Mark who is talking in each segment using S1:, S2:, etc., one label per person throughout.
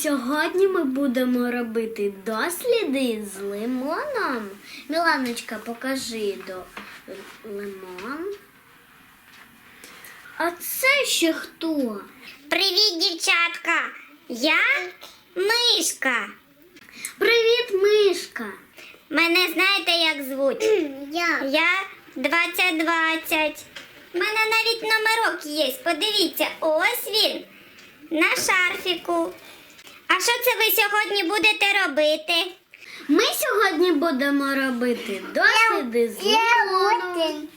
S1: Сьогодні ми будемо робити досліди з лимоном. Міланочка, покажи лимон. А це ще хто?
S2: Привіт, дівчатка! Я Мишка.
S1: Привіт, Мишка.
S2: Мене знаєте, як звуть? Я 2020. У мене навіть номерок є. Подивіться, ось він на шарфіку. А що це ви сьогодні будете робити?
S1: Ми сьогодні будемо робити досліди з лимоном.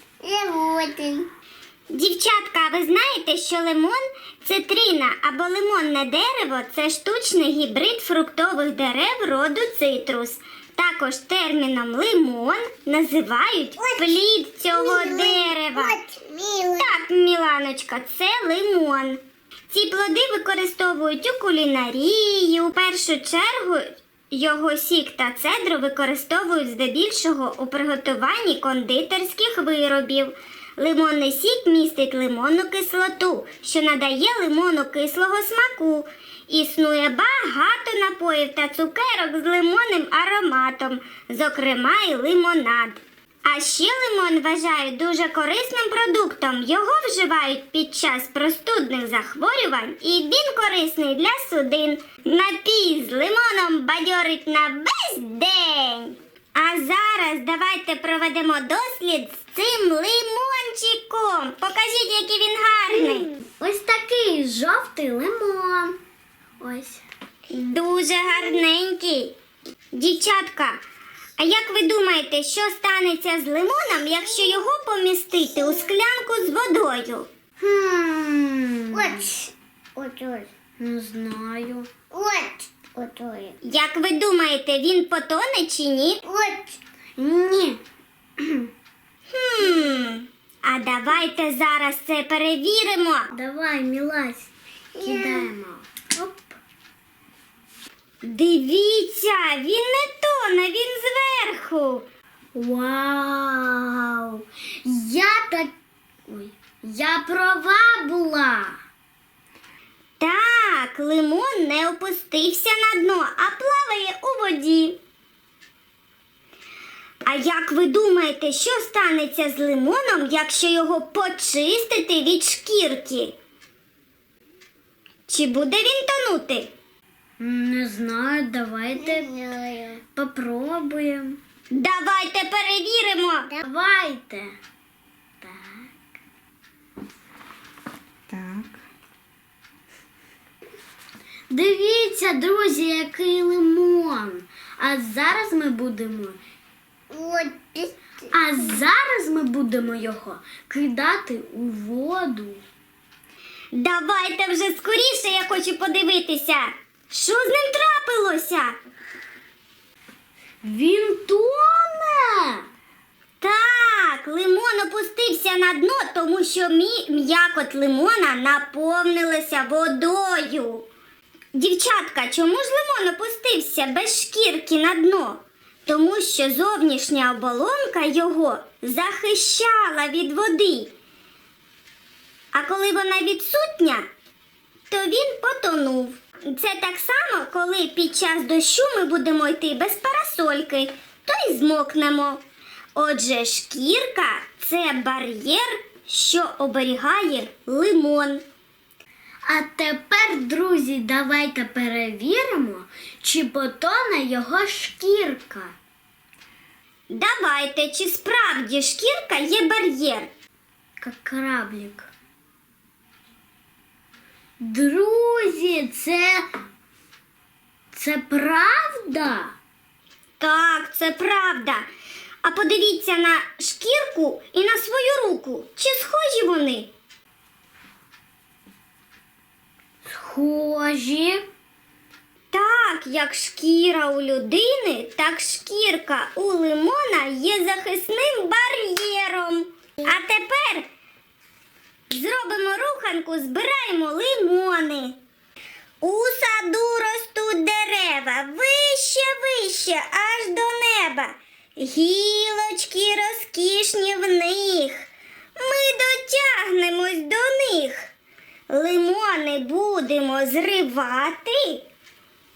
S2: Дівчатка, а ви знаєте, що лимон – це трина або лимонне дерево – це штучний гібрид фруктових дерев роду цитрус. Також терміном лимон називають плід цього дерева. Так, Міланочка, це лимон. Ці плоди використовують у кулінарії. У першу чергу його сік та цедру використовують здебільшого у приготуванні кондитерських виробів. Лимонний сік містить лимонну кислоту, що надає лимону кислого смаку. Існує багато напоїв та цукерок з лимонним ароматом, зокрема і лимонад. А ще лимон вважають дуже корисним продуктом. Його вживають під час простудних захворювань і він корисний для судин. Напій з лимоном бадьорить на весь день. А зараз давайте проведемо дослід з цим лимончиком. Покажіть, який він гарний.
S1: Ось такий жовтий лимон. Ось.
S2: Дуже гарненький. Дівчатка, а як ви думаєте, що станеться з лимоном, якщо його помістити у склянку з водою?
S1: Не знаю.
S2: Як ви думаєте, він потоне чи ні?
S1: Ні.
S2: А давайте зараз це перевіримо.
S1: Давай, Мілась, кидаємо. Оп.
S2: Дивіться, він не тоне, він зверху.
S1: Вау! Я права була.
S2: Так, лимон не опустився на дно, а плаває у воді. А як ви думаєте, що станеться з лимоном, якщо його почистити від шкірки? Чи буде він тонути?
S1: Не знаю, давайте попробуємо.
S2: Давайте перевіримо.
S1: Давайте.
S3: Так.
S1: Дивіться, друзі, який лимон. А зараз ми будемо його кидати у воду.
S2: Давайте вже скоріше, я хочу подивитися. Що з ним трапилося?
S1: Він тоне.
S2: Так, лимон опустився на дно, тому що м'якоть лимона наповнилася водою. Дівчатка, чому ж лимон опустився без шкірки на дно? Тому що зовнішня оболонка його захищала від води. А коли вона відсутня, то він потонув. Це так само, коли під час дощу ми будемо йти без парасольки, то й змокнемо. Отже, шкірка – це бар'єр, що оберігає лимон.
S1: А тепер, друзі, давайте перевіримо, чи потоне його шкірка.
S2: Давайте, чи справді шкірка є бар'єр?
S1: Як кораблик. Друзі, це правда?
S2: Так, це правда. А подивіться на шкірку і на свою руку. Чи схожі вони?
S1: Схожі.
S2: Так, як шкіра у людини, так шкірка у лимона є захисним бар'єром. А тепер зробимо руханку, збираємо лимони. У саду ростуть дерева, вище, вище, аж до неба. Гілочки розкішні в них. Ми дотягнемось до них. Лимони будемо зривати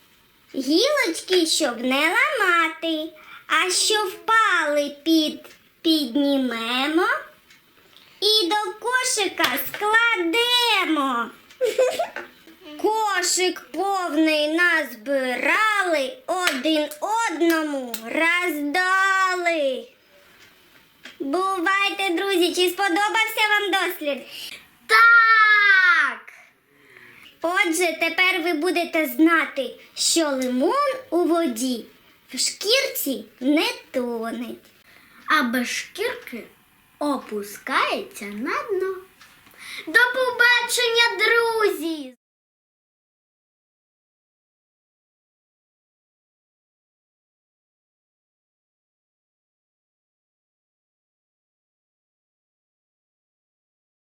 S2: Гілочки, щоб не ламати, а що впали піднімемо і до кошика складемо. Кошик повний назбирали, один одному роздали. Бувайте, друзі, чи сподобався вам дослід?
S1: Так!
S2: Отже, тепер ви будете знати, що лимон у воді в шкірці не тоне.
S1: А без шкірки опускається на дно.